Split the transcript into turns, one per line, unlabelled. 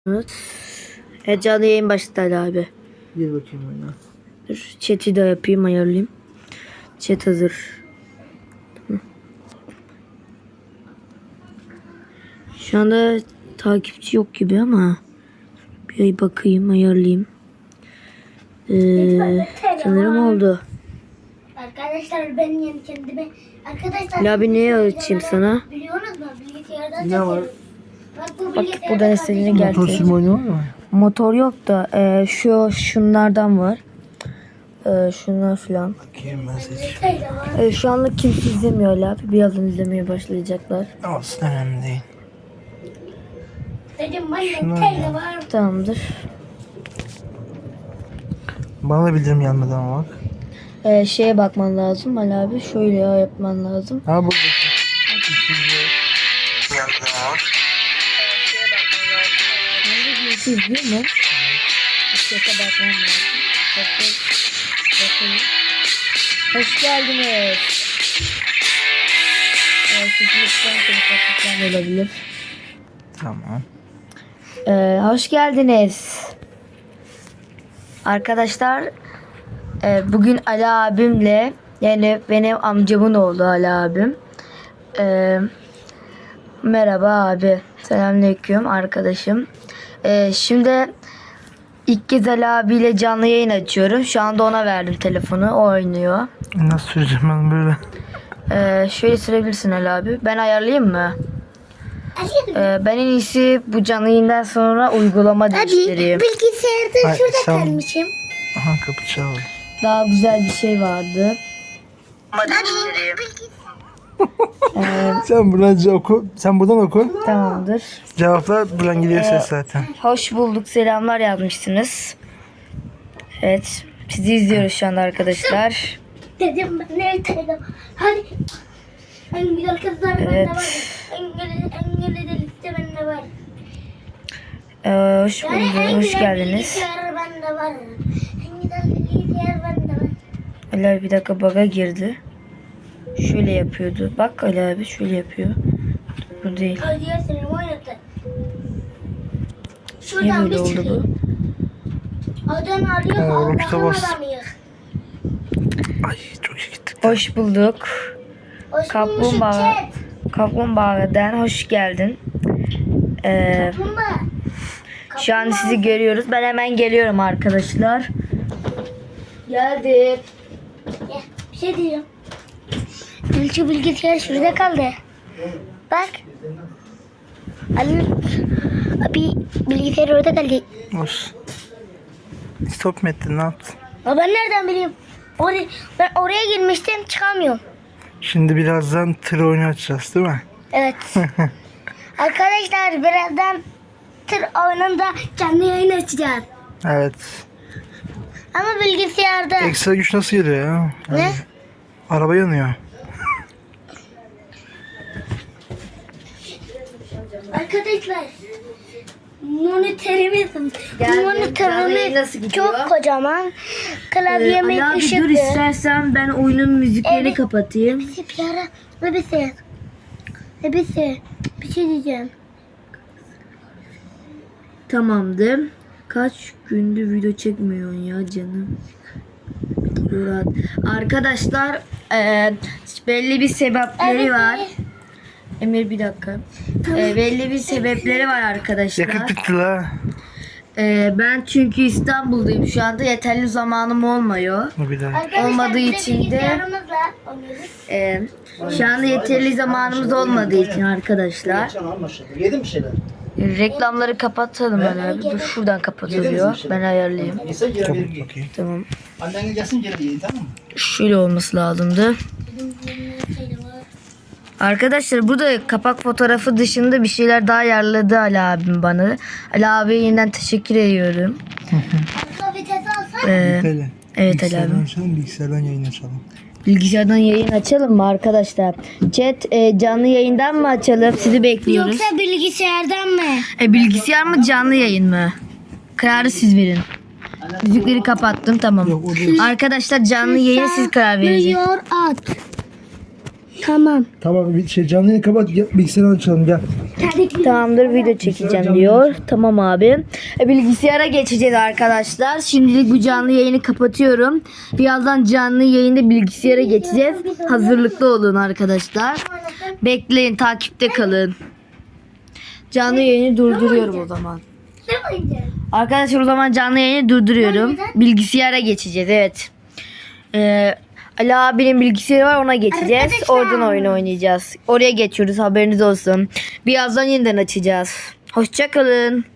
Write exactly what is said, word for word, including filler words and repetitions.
Evet. Evet, canlı yayın başladı Ali abi.
Gir bakayım oyuna.
Dur, chat'i de yapayım, ayarlayayım. Chat hazır. Şu anda takipçi yok gibi ama bir bakayım, ayarlayayım. Ee, sanırım oldu.
Arkadaşlar ben yeni kendime arkadaşlar
Ali abi neye açayım sana?
biliyorsunuz mu bilgisayardan
Ne var?
Bak bu
Bak
bilgisayarda
buradan istediğini
Motor
geldi.
sürme oyunu var mı?
Motor yok da e, şu şunlardan var. E, şunlar falan.
Bakayım ben seç.
Teyze var.
E, şu anlık kimse izlemiyor Ali abi. Birazdan izlemeye başlayacaklar.
Olsun, önemli değil.
Dedim ben
Şunlar
teyze
ya.
var.
Tamamdır.
Bana da bildirim gelmedi ama bak.
E, şeye bakman lazım Ali abi. Şöyle yapman lazım.
Ha burada. Gelmedi ama bak.
Birisi izliyor mu? Chat'e bakmam lazım. Bakın. Bakın. Hoş geldiniz. Ee, sizin lütfen konuşmaktan olabilir.
Tamam.
Ee, hoş geldiniz. Arkadaşlar e, bugün Ali abimle, yani benim amcamın oğlu Ali abim. Ee, merhaba abi. Selamünaleyküm arkadaşım. Ee, şimdi ilk kez Ali abiyle canlı yayın açıyorum. Şu anda ona verdim telefonu. O oynuyor.
Nasıl süreceğim ben böyle?
Ee, şöyle sürebilirsin Ali abi. Ben ayarlayayım mı?
Hadi.
Ee, ben en iyisi bu canlı yayından sonra uygulama değiştireyim.
Bilgisayarda
Ay,
şurada
sen-
kalmışım.
Aha, kapı çaldı.
Daha güzel bir şey vardı. Ee,
Sen buradan oku. Sen buradan oku.
tamamdır.
Cevaplar buradan gidiyor ses zaten.
Hoş bulduk, selamlar yazmışsınız. Evet, sizi izliyoruz şu anda arkadaşlar.
Dedim ben ne teyze. Hadi. En güzel kızlar
Evet.
bende var. En güzel en güzel liste bende var.
Ee, hoş
Yani en
bulduk, hoş
güzel
geldiniz.
bilgisayar bende var. En güzel bilgisayar bende var.
Ali abi bir dakika bug'a girdi. Şöyle yapıyordu. Bak Ali abi şöyle yapıyor. Bu değil.
Hadi ya seni oynatın.
Niye
Şuradan
böyle
bir
oldu
çıkayım.
bu?
Adam arıyor.
Ha,
Allah'ın
Rocket'a bas.
adamıyız.
Ay çok iyi gittik.
Hoş bulduk.
Hoş
Kaplumbağa.
bulmuşum chat.
Kaplumbağadan hoş geldin. Ee,
Kaplumbağa.
şu an sizi görüyoruz. Ben hemen geliyorum arkadaşlar. Geldim.
Gel, bir şey diyeceğim. Şu bilgisayar şurada kaldı. Bak. Ali abi bilgisayar orada kaldı.
Olsun. Stop mu ettin, ne yaptın?
Ama ben nereden bileyim? Oraya, ben oraya girmiştim çıkamıyorum.
Şimdi birazdan tır oyunu açacağız değil mi?
Evet. Arkadaşlar birazdan tır oyununda canlı yayın açacağız.
Evet.
Ama bilgisayarda.
Ekstra güç nasıl geliyor ya? Yani
Ne?
araba yanıyor.
Arkadaşlar monitörümüz
Geldim. Canlı yayın
monitörümüz
nasıl gidiyor?
çok kocaman.
Ee,
Klavyemiz
Ali abi dur,
ışıklı.
istersen ben oyunun müziklerini
Evet.
kapatayım.
Bir ara ve bir şey. Ve bir şey. Bir şey diyeceğim.
Tamamdır. Kaç gündür video çekmiyorsun ya canım? Murat. Arkadaşlar e, belli bir sebepleri
Evet.
var. Emir bir dakika. E, belli bir sebepleri var arkadaşlar.
Yakıt bitti la.
E, ben çünkü İstanbul'dayım şu anda, yeterli zamanım olmuyor.
Bu bir daha.
Arkadaşlar,
Olmadığı
bir de
için de-
bilgisayarımızla oynuyoruz.
E, şu anda yeterli zamanımız olmadığı için arkadaşlar.
Yedin bir şeyler.
e, reklamları kapatalım Ali abi. Dur, şuradan kapatılıyor. Ben ayarlayayım.
Yese geri
Kapat
verir.
bakayım.
Tamam.
Annen gelsin geri yiyin, tamam mı?
Şöyle olması lazımdı. Arkadaşlar burada kapak fotoğrafı dışında bir şeyler daha ayarladı Ali abim bana. Ali abiye yeniden teşekkür ediyorum.
Arka vites alsak.
Ee,
Böyle.
evet Ali
Bilgisayardan
abi.
açalım, bilgisayardan yayın açalım.
Bilgisayardan yayın açalım mı arkadaşlar? Chat e, canlı yayından mı açalım? Sizi bekliyoruz.
Yoksa bilgisayardan mı?
E, bilgisayar mı canlı yayın mı? Kararı siz verin. Müzikleri kapattım, tamam.
Yok, o değil.
Arkadaşlar canlı yayına siz karar vereceksiniz.
Milyon at. Tamam.
Tamam bir şey canlı yayını kapat gel, bilgisayarı açalım gel.
Tamamdır, video çekeceğim diyor. Tamam abi. E, bilgisayara geçeceğiz arkadaşlar. Şimdilik bu canlı yayını kapatıyorum. Birazdan canlı yayında bilgisayara geçeceğiz. Hazırlıklı olun arkadaşlar. Bekleyin, takipte kalın. Canlı yayını durduruyorum o zaman.
Ne oynayacağız?
Arkadaşlar o zaman canlı yayını durduruyorum. Bilgisayara geçeceğiz, evet. Ee, Ali abinin bilgisayarı var, ona geçeceğiz.
Arkadaşlar.
Oradan oyun oynayacağız. Oraya geçiyoruz, haberiniz olsun. Birazdan yeniden açacağız. Hoşça kalın.